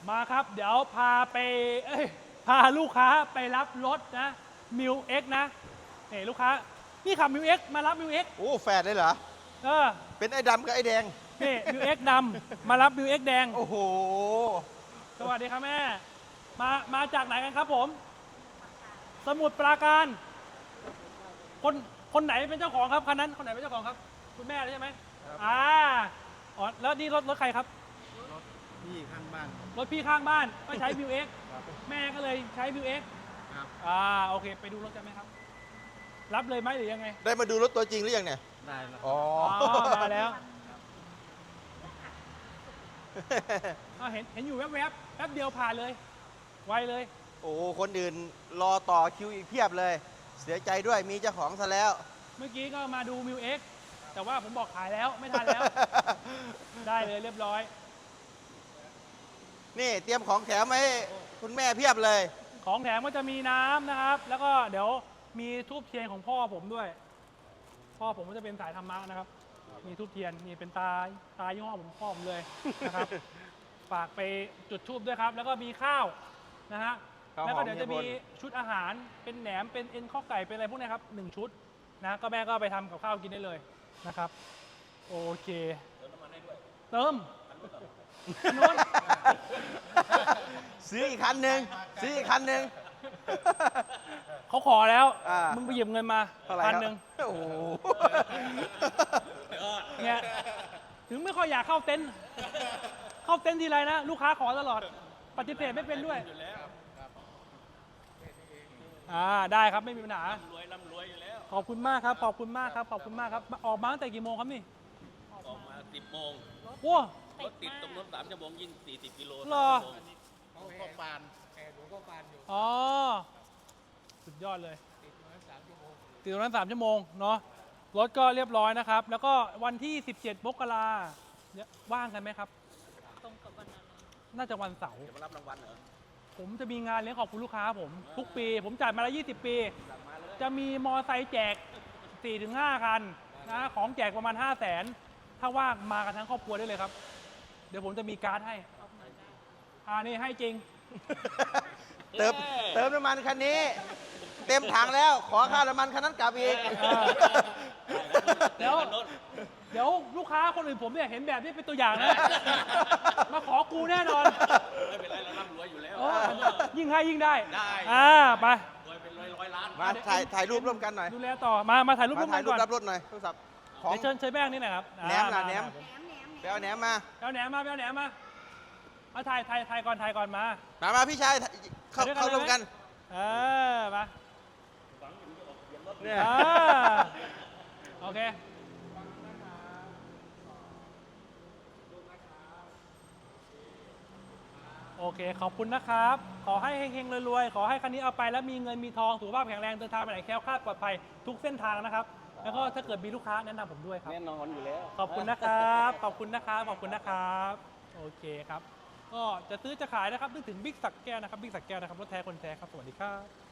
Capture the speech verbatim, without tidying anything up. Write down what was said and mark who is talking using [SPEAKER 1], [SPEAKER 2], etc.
[SPEAKER 1] มาครับเดี๋ยวพาไปเอ้ยพาลูกค้าไปรับรถนะมิวเอ็กนะเฮ้ลูกค้านี่ขับมิวเอ็กมารับมิวเอ็ก
[SPEAKER 2] โอ้แฝดเลยเหรอ
[SPEAKER 1] เออ
[SPEAKER 2] เป็นไอ้ดำกับไอ้แดง
[SPEAKER 1] นี่มิวเอ็กดำมารับมิวเอ็กแดง
[SPEAKER 2] โอ้โห
[SPEAKER 1] สวัสดีครับแม่มามาจากไหนกันครับผม สมุทรปราการ คนคนไหนเป็นเจ้าของครับคันนั้นคนไหนเป็นเจ้าของครับคุณแม่ใช่ไหมอ่าอ๋อแล้วนี่รถรถใครครับ
[SPEAKER 3] พี่ข้างบ้าน
[SPEAKER 1] รถพี่ข้างบ้านก็ใช้มิวเอ็กแม่ก็เลยใช้มิวเอ็ก
[SPEAKER 3] ครับ
[SPEAKER 1] อ่าโอเคไปดูรถกันไหมครับ รับเลยไหมหรือยังไง
[SPEAKER 2] ได้มาดูรถตัวจริงหรือยังเนี่ย
[SPEAKER 3] ได้แล้ว
[SPEAKER 2] อ๋อ
[SPEAKER 1] อ๋อมาแล้วอ่าเห็นเห็นอยู่แวบๆแวบแป๊บเดียวผ่านเลยไวเลย
[SPEAKER 2] โอ้โหคนอื่นรอต่อคิวอีกเพียบเลย เสียใจด้วยมีเจ้าของซะแล้ว
[SPEAKER 1] เมื่อกี้ก็มาดูมิวเอ็กแต่ว่าผมบอกขายแล้วไม่ทันแล้ว ได้เลยเรียบร้อย
[SPEAKER 2] นี่เตรียมของแถมมาให้คุณแม่เพียบเลย
[SPEAKER 1] ของแถมก็จะมีน้ำนะครับ แล้วก็เดี๋ยวมีทูบเทียนของพ่อผมด้วย พ่อผมก็จะเป็นสายธรรมะนะครับ มีทูบเทียนนี่เป็นตาตายี่ห้อผมพ่อผมเลยนะครับ ฝากไปจุดทูบด้วยครับ แล้วก็มีข้าวนะฮะ
[SPEAKER 2] ข้าวหอม
[SPEAKER 1] แล้วก็เดี๋ยวจะมี
[SPEAKER 2] เฮียพ
[SPEAKER 1] ชุดอาหารเป็นแหนมเป็นเอ็นข้อไก่เป็นอะไรพวกนี้ครับหนึ่งชุดนะก็แม่ก็ไปทำกับข้าวกินได้เลยนะครับ โอเคเติมน้ำมันให้ด้วยเติมนู้น
[SPEAKER 2] ซื้ออีกคันหนึ่งซื้ออีกคันหนึ่ง
[SPEAKER 1] เขาขอแล้ว
[SPEAKER 2] อ่ามึ
[SPEAKER 1] มึงไปหยิบเงินมา
[SPEAKER 2] เท่าไหร่
[SPEAKER 1] พัน
[SPEAKER 2] ครับ
[SPEAKER 1] หนึ่ง
[SPEAKER 2] โอ้โห
[SPEAKER 1] เนี่ยถึงไม่ค่อยอยากเข้าเต็นท์เข้าเต็นท์ทีไรนะ ลูกค้าขอตลอด ปฏิเสธไม่เป็นด้วยอ่าได้ครับไม่มีปัญหาร
[SPEAKER 4] วยร่ำรวยอยู่แล้ว
[SPEAKER 1] ขอบคุณมากครับ ขอบคุณมากครับ ขอบคุณมากครับ ออกมาตั้งแต่กี่โมงครับนี่
[SPEAKER 4] ออกมาสิบโมง
[SPEAKER 1] โอ้
[SPEAKER 4] รถติดตรงนู้นสามชั่วโมงยิ่งสี่สิบกิโล
[SPEAKER 1] หรอ
[SPEAKER 4] สามชั่วโมง
[SPEAKER 3] เขาก็ปานแอร์หลวงก็ปานอยู่
[SPEAKER 1] อ๋อ สุดยอดเลย
[SPEAKER 3] ติดมาสามชั่วโมง
[SPEAKER 1] ติดตรงนั้นสามชั่วโมงเนาะ รถก็เรียบร้อยนะครับ แล้วก็วันที่สิบเจ็ดมกราเนี่ยว่างกันไหมครับ
[SPEAKER 5] ตรงกับวันอะไร
[SPEAKER 1] น่าจะวันเสาร์
[SPEAKER 4] จะมารับรางวัลเหรอ
[SPEAKER 1] ผมจะมีงานเลี้ยงขอบคุณลูกค้าผม ทุกปี ผมจัดมาแล้วยี่สิบปี จะมีมอไซค์แจก สี่ถึงห้า คันนะของแจกประมาณ ห้าแสน ถ้าว่างมากันทั้งครอบครัวได้เลยครับ เดี๋ยวผมจะมีการ์ดให้
[SPEAKER 5] ออกมาได้
[SPEAKER 1] อ่านี่ให้จริง
[SPEAKER 2] เติมเติมน้ำมันคันนี้ เต็มถังแล้วขอค่าน้ำมันคันนั้นกลับอีก
[SPEAKER 1] เออ เดี๋ยว เดี๋ยวลูกค้าคนอื่นผมเนี่ยเห็นแบบนี้เป็นตัวอย่างนะ มาขอกูแน่นอน
[SPEAKER 4] ไม่เป็นไรเราร่ำรวยอยู่แล้ว
[SPEAKER 1] โอ้ยิ่งให้ยิ่งได้
[SPEAKER 4] ได้
[SPEAKER 1] อ่าไป
[SPEAKER 4] รวยเป็นร้อยร้อยล้าน
[SPEAKER 2] มาถ่ายถ่ายรูปร่วมกันหน่อย
[SPEAKER 1] ดูแลต่อ มา มาถ่ายรูป
[SPEAKER 2] มา
[SPEAKER 1] ร่วม
[SPEAKER 2] ถ่า
[SPEAKER 1] กั
[SPEAKER 2] ย
[SPEAKER 1] น
[SPEAKER 2] รู
[SPEAKER 1] ก่
[SPEAKER 2] ป
[SPEAKER 1] อน
[SPEAKER 2] รับรถหน่อยโทรศัพท์ของ
[SPEAKER 1] เดี๋ยวเชิญเชิญแป้งนี่หนะครับ
[SPEAKER 2] แหนมล่ะแหนม
[SPEAKER 1] า
[SPEAKER 2] ไปเอาแหนมมา
[SPEAKER 1] เอาแหนมมาเอาแหนมมาเอาถ่ายถ่ายถ่ายก่อนถ่ายก่อนมา
[SPEAKER 2] มามาพี่ชายเข้า
[SPEAKER 1] ไปด้วยกัน
[SPEAKER 2] เข้าร่วมกัน
[SPEAKER 1] เออมา
[SPEAKER 2] เนี่ย
[SPEAKER 1] อ่าโอเค โอเค ขอบคุณนะครับ ขอให้เฮงๆรวยๆ ขอให้คันนี้เอาไปแล้วมีเงินมีทองสุขภาพแข็งแรงเดินทางไปไหนแคล้วคลาดปลอดภัยทุกเส้นทางนะครับ แล้วก็ถ้าเกิดมีลูกค้าแนะนำผมด้วยครับ
[SPEAKER 4] แน่นอนอยู่แล้ว
[SPEAKER 1] ขอบคุณนะครับ ขอบคุณนะครับ ขอบคุณนะครับ โอเคครับ ก็จะซื้อจะขายนะครับนึกถึงบิ๊กสักแก้วนะครับ บิ๊กสักแก้วนะครับ รถแท้คนแท้ครับ สวัสดีครับ